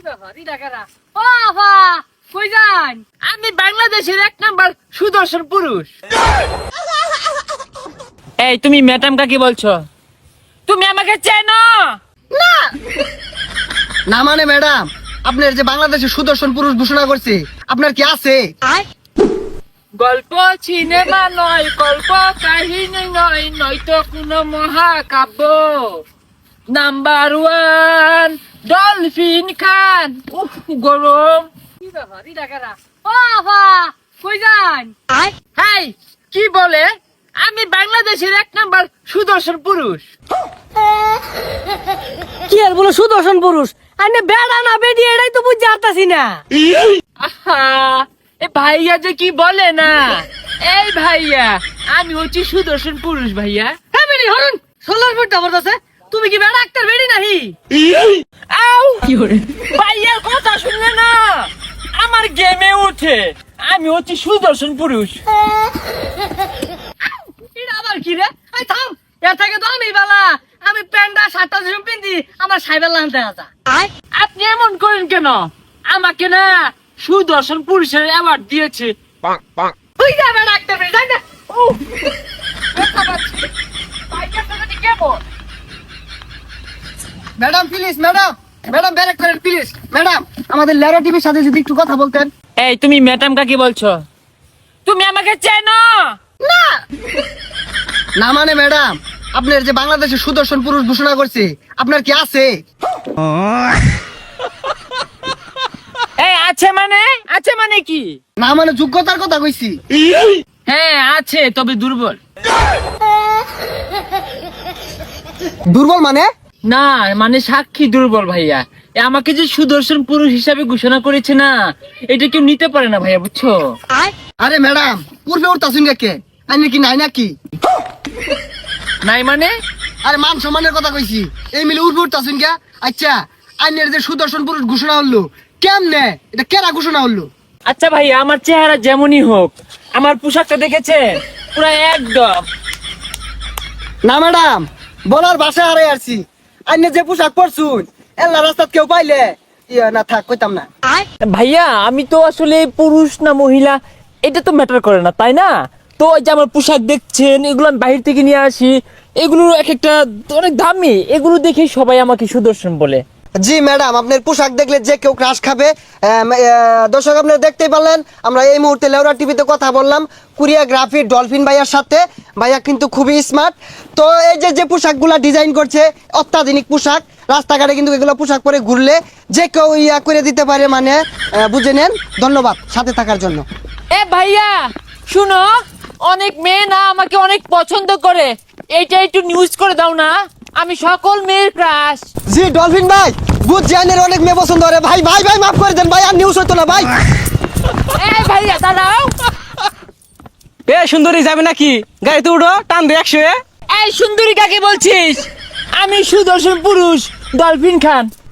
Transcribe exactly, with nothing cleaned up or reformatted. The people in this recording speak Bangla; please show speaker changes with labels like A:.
A: আমি বাংলাদেশের এক নাম্বার সুদর্শন পুরুষ। এই তুমি ম্যাডাম কাকে বলছো? তুমি আমাকে চেনো
B: না না মানে ম্যাডাম, আপনার যে বাংলাদেশের সুদর্শন পুরুষ ঘোষণা করছে, আপনার কি আছে?
A: গল্প সিনেমা নয়, গল্প কাহিনী নয়, নয়তো কোনো মহাকাব্য। Number one dolphin Khan. উফ গরম। হাই কি বলে? আমি বাংলাদেশের এক নাম্বার সুদর্শন পুরুষ।
C: কি আর বলো সুদর্শন পুরুষ? আরে বেড়া না বেডি এটাই তো বুঝতে পারতাছি না।
A: আহা এ ভাইয়া যে কি বলে না। এই ভাইয়া আমি হচ্ছি সুদর্শন পুরুষ ভাইয়া।
C: হ্যাঁ বেডি হরুন সোলার ফুট জবরদস্ত। তুমি কি বেড়া ডাক্তার বেডি নাহি?
A: আউ কি করে ভাইয়ার কথা শুনলে না আমার গেমে উঠে। আমি হচ্ছি সুদর্শন পুরুষ।
C: এটা আবার কি রে? এই থাম, এর থেকে তো আমি বালা। আমি প্যান্ডা শার্টটা যেরকম পিন্দি আমার সাইবেল লানতে আসা।
A: আপনি এমন করেন কেন? আমাকে না সুদর্শন পুরুষের অ্যাওয়ার্ড দিয়েছে।
C: তুই যাবে ডাক্তার বেডি যাই না।
A: উফ, ব্যথা পাচ্ছি। ভাইয়ার সাথে কেমন?
B: ম্যাডাম প্লিজ, ম্যাডাম ম্যাডাম ব্যারেক করেন প্লিজ। ম্যাডাম আমাদের লেরা টিভির সাথে যদি একটু কথা বলতেন।
A: এই তুমি ম্যাডাম কাকে বলছো? তুমি আমাকে চেনো
C: না
B: না মানে ম্যাডাম, আপনার যে বাংলাদেশের সুদর্শন পুরুষ ঘোষণা করছে, আপনার কি আছে?
A: এই আছে মানে? আছে মানে কি?
B: না মানে যোগ্যতার কথা কইছি।
A: হ্যাঁ আছে, তবে দুর্বল।
B: দুর্বল মানে?
A: না মানে সাক্ষী দুর্বল ভাইয়া। এ আমাকে যে সুদর্শন পুরুষ হিসাবে ঘোষণা করেছে না, এটা কেউ নিতে পারে না ভাইয়া, বুঝছো?
B: আরে ম্যাডাম পূর্বে ওর তাসুন কে আইনে কি নাই নাকি?
A: নাই মানে?
B: আরে মান সম্মানের কথা কইছি। এই মিলে উর্বর তাসুন কে। আচ্ছা আইনের যে সুদর্শন পুরুষ ঘোষণা হলো কেমনে? এটা কেরা ঘোষণা হলো?
A: আচ্ছা ভাইয়া, আমার চেহারা যেমনই হোক, আমার পোশাকটা দেখেছে পুরো একদম।
B: না ম্যাডাম, বলার ভাষা হারাই আসছি। আইনে যে পোশাক পরছুন এল্লা রাস্তাত কেউ পাইলে ইয়া না থাক কইতাম না।
A: ভাইয়া আমি তো আসলে পুরুষ না মহিলা এটা তো ম্যাটার করে না, তাই না? তো ওই যে আমার পোশাক দেখছেন, এগুলো আমি বাহির থেকে নিয়ে আসি, এগুলো এক একটা অনেক দামি, এগুলো দেখে সবাই আমাকে সুদর্শন বলে।
B: জি ম্যাডাম, আপনার পোশাক দেখলে যে কেউ ক্রাশ খাবে। আহ, আহ, দর্শক আপনারা দেখতেই পারলেন, আমরা এই মুহূর্তে লেউরা টিভিতে কথা বললাম কোরিওগ্রাফি ডলফিন ভাইয়ার সাথে। ভাইয়া কিন্তু খুবই স্মার্ট। তো এই যে যে পোশাকগুলা ডিজাইন করছে অত্যাধুনিক পোশাক, রাস্তাঘাটে কিন্তু এগুলো পোশাক পরে ঘুরলে যে কেউ ইয়া করে দিতে পারে, মানে আহ, বুঝে নেন। ধন্যবাদ সাথে থাকার জন্য।
A: এ ভাইয়া শুনো, অনেক মেয়ে না আমাকে অনেক পছন্দ করে, এইটা একটু নিউজ করে দাও না, আমি সকল মেয়ের ক্রাশ।
B: জি ডলফিন ভাই, বুঝ জানের অনেক মেয়ে পছন্দ করে। ভাই ভাই ভাই মাফ করে দেন ভাই, আর নিউজ হতো না ভাই।
A: এ ভাইয়া দাঁড়াও।
D: এ সুন্দরী যাবে নাকি? গাড়িতে উঠো, টান দে একশো।
A: এই সুন্দরী কাকে বলছিস? আমি সুদর্শন পুরুষ ডলফিন খান।